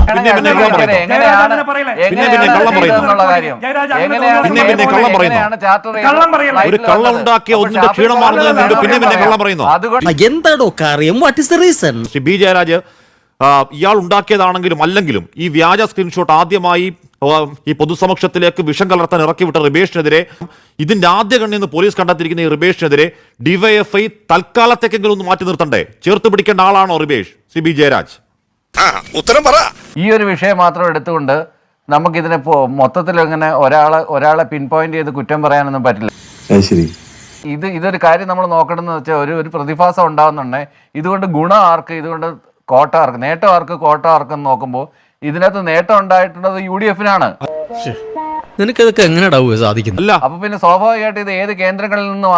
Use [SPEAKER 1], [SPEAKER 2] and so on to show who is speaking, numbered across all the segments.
[SPEAKER 1] എന്താണോ കാര്യം? What is the reason?
[SPEAKER 2] Shri B Jayaraj ഇയാൾ ഉണ്ടാക്കിയതാണെങ്കിലും അല്ലെങ്കിലും ഈ വ്യാജ സ്ക്രീൻഷോട്ട് ആദ്യമായി ഈ പൊതുസമക്ഷത്തിലേക്ക് വിഷം കലർത്താൻ ഇറക്കിവിട്ട റിബേഷിനെതിരെ ഇതിന്റെ ആദ്യ കണ്ണിന്ന് പോലീസ് കണ്ടെത്തിയിരിക്കുന്ന ഈ റിബേഷിനെതിരെ ഡിവൈഎഫ്ഐ തൽക്കാലത്തേക്കെങ്കിലും ഒന്ന് മാറ്റി നിർത്തണ്ടേ? ചേർത്ത് പിടിക്കേണ്ട ആളാണോ റിബേഷ്? ശ്രീ ബി ജയരാജ്
[SPEAKER 3] ഉത്തരം പറ.
[SPEAKER 4] ഈ ഒരു വിഷയം മാത്രം എടുത്തുകൊണ്ട് നമുക്കിതിനെ മൊത്തത്തിൽ അങ്ങനെ ഒരാളെ പിൻ പോയിന്റ് ചെയ്ത് കുറ്റം പറയാനൊന്നും പറ്റില്ല. ഇതൊരു കാര്യം നമ്മൾ നോക്കണമെന്ന് വെച്ചാൽ ഒരു പ്രതിഭാസം ഉണ്ടാകുന്നുണ്ടെങ്കിൽ ഇതുകൊണ്ട് ഗുണം ആർക്ക്, ഇതുകൊണ്ട് കോട്ട ആർക്ക്, നേട്ടം ആർക്ക്, കോട്ട ആർക്കെന്ന് നോക്കുമ്പോൾ ഇതിനകത്ത് നേട്ടം ഉണ്ടായിട്ടുള്ളത് UDF-നാണ്.
[SPEAKER 1] നിനക്കതൊക്കെ എങ്ങനെയാ സാധിക്കുന്നത്?
[SPEAKER 4] അപ്പൊ പിന്നെ സ്വാഭാവികമായിട്ട് ഇത് ഏത് കേന്ദ്രങ്ങളിൽ നിന്ന്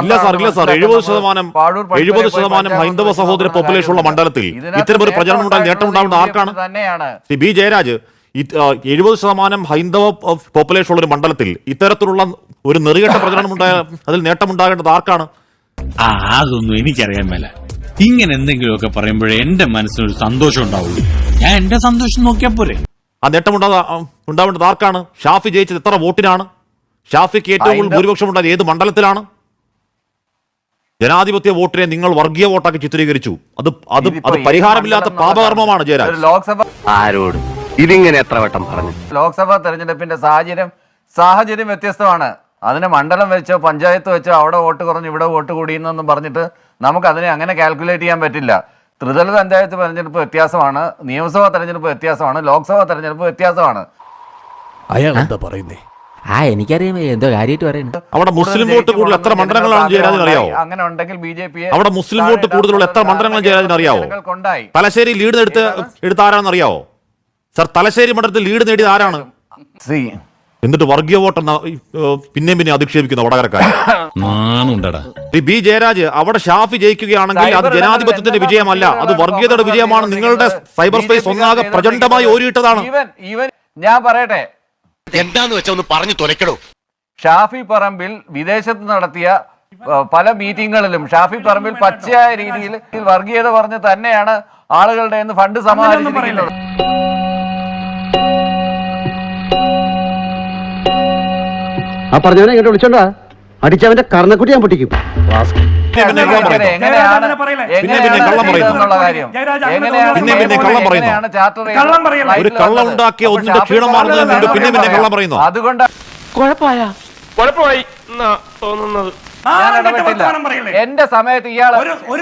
[SPEAKER 2] 70% ഹൈന്ദവ സഹോദര പോപ്പുലേഷൻ ഉള്ള മണ്ഡലത്തിൽ ഇത്തരമൊരു പ്രചരണം ഉണ്ടായി നേട്ടം ഉണ്ടാവുന്ന ആർക്കാണ്? ശ്രീ ബി ജയരാജ്, 70% ഹൈന്ദവ പോപ്പുലേഷൻ ഉള്ള ഒരു മണ്ഡലത്തിൽ ഇത്തരത്തിലുള്ള ഒരു നെറികെട്ട പ്രചരണം ഉണ്ടായ അതിൽ നേട്ടമുണ്ടാകേണ്ടത് ആർക്കാണ്?
[SPEAKER 5] അതൊന്നും എനിക്കറിയാൻ മേല. ഇങ്ങനെ എന്തെങ്കിലുമൊക്കെ പറയുമ്പോഴേ എന്റെ മനസ്സിനൊരു സന്തോഷം ഉണ്ടാവുള്ളൂ. ഞാൻ എന്റെ സന്തോഷം നോക്കിയാ പോരെ.
[SPEAKER 2] ആ നേട്ടം ഉണ്ടാവേണ്ടത് ആർക്കാണ്? ഷാഫി ജയിച്ചത് എത്ര വോട്ടിനാണ്? ഷാഫിക്ക് ഏറ്റവും കൂടുതൽ ഭൂരിപക്ഷം ഉണ്ടായത് ഏത് മണ്ഡലത്തിലാണ്? ജനാധിപത്യ വോട്ടിനെ നിങ്ങൾ വർഗീയ വോട്ടാക്കി ചിത്രീകരിച്ചു. അത് പരിഹാരമില്ലാത്ത പാപകർമ്മമാണ് ജയരാജ്.
[SPEAKER 6] ആരോടും ഇതിങ്ങനെ എത്ര വട്ടം പറഞ്ഞു?
[SPEAKER 4] ലോക്സഭാ തെരഞ്ഞെടുപ്പിന്റെ സാഹചര്യം വ്യത്യസ്തമാണ്. അതിന് മണ്ഡലം വെച്ചോ പഞ്ചായത്ത് വെച്ചോ അവിടെ വോട്ട് കുറഞ്ഞു ഇവിടെ വോട്ട് കൂടിയെന്നൊന്നും പറഞ്ഞിട്ട് നമുക്ക് അതിനെ അങ്ങനെ കാൽക്കുലേറ്റ് ചെയ്യാൻ പറ്റില്ല. ത്രിതല പഞ്ചായത്ത് തെരഞ്ഞെടുപ്പ് വ്യത്യാസമാണ്, നിയമസഭാ തെരഞ്ഞെടുപ്പ് വ്യത്യാസമാണ്, ലോക്സഭാ തെരഞ്ഞെടുപ്പ് വ്യത്യാസമാണ്.
[SPEAKER 1] അയാൾ എന്താ പറയുന്നേ?
[SPEAKER 6] എനിക്കറിയാം എന്തോ കാര്യമായിട്ട് പറയുന്നത്.
[SPEAKER 2] അവിടെ മുസ്ലിം വോട്ട് കൂടുതൽ എത്ര മണ്ഡലങ്ങളാണ് ജയരാജന് അറിയാവോ?
[SPEAKER 4] അങ്ങനെ ഉണ്ടെങ്കിൽ BJP
[SPEAKER 2] അവിടെ മുസ്ലിം വോട്ട് കൂടുതലുള്ള എത്ര മണ്ഡലങ്ങൾ ജയരാജന് അറിയാവോ? തലശ്ശേരി ലീഡ് എടുത്ത ആരാണെന്ന് അറിയാവോ? സർ, തലശ്ശേരി മണ്ഡലത്തിൽ ലീഡ് നേടിയത് ആരാണ്? എന്നിട്ട് വർഗീയ വോട്ടെന്ന പിന്നെ അധിക്ഷേപിക്കുന്ന വടകരക്കാരൻ ബി ജയരാജ്. അവിടെ ഷാഫി ജയിക്കുകയാണെങ്കിൽ അത് ജനാധിപത്യത്തിന്റെ വിജയമല്ല, അത് വർഗീയതയുടെ വിജയമാണ്. നിങ്ങളുടെ സൈബർ സ്പേസ് ഒന്നാകെ പ്രചണ്ഡമായി ഓരിയിട്ടതാണ്.
[SPEAKER 4] ഞാൻ പറയട്ടെ,
[SPEAKER 3] എന്താന്ന് വെച്ചാ ഒന്ന് പറഞ്ഞു തുലക്കടോ.
[SPEAKER 4] ഷാഫി പറമ്പിൽ വിദേശത്ത് നടത്തിയ പല മീറ്റിങ്ങുകളിലും ഷാഫി പറമ്പിൽ പച്ചയായ രീതിയിൽ വർഗീയത പറഞ്ഞ് തന്നെയാണ് ആളുകളുടെ ഫണ്ട് സമാഹരിച്ചിരിക്കുന്നത്.
[SPEAKER 7] ആ പറഞ്ഞവനെ ഇങ്ങോട്ട് വിളിച്ചോണ്ടാ അടിച്ചവന്റെ കർണക്കുട്ടി ഞാൻ പൊട്ടിക്കും.
[SPEAKER 2] ഒരു കള്ളം ഉണ്ടാക്കിയ ഒന്നിന്റെ ക്ഷീണം മാറുന്നതിന് പിന്നെ കള്ളം പറയുന്നു.
[SPEAKER 4] അതുകൊണ്ട്
[SPEAKER 3] കുഴപ്പമായി തോന്നുന്നത്
[SPEAKER 4] എന്റെ സമയത്ത് ഇയാള്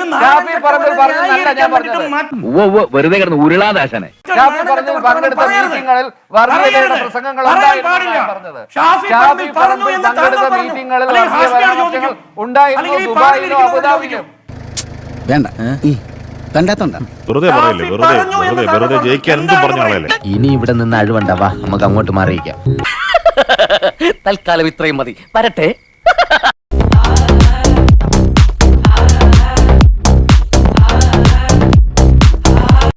[SPEAKER 6] വെറുതെ കിടന്ന് ഉരുളാദാശനെ
[SPEAKER 4] പങ്കെടുത്ത മീറ്റിങ്ങളിൽ വർഗീയതയുടെ പ്രസംഗങ്ങൾ പങ്കെടുത്ത മീറ്റിങ്ങളിൽ വർഗീയ പരാമർശങ്ങൾ ഉണ്ടായിരുന്നു ദുബായിലും അബുദാബിയിലും.
[SPEAKER 1] വേണ്ട കണ്ടാത്തോണ്ട
[SPEAKER 2] വെറുതെ ജയിക്കാൻ എന്തും പറഞ്ഞു.
[SPEAKER 6] ഇനി ഇവിടെ നിന്ന് അഴിവണ്ടാവാ, നമുക്ക് അങ്ങോട്ട് മാറിയിക്കാം. തൽക്കാലം ഇത്രയും മതി. വരട്ടെ.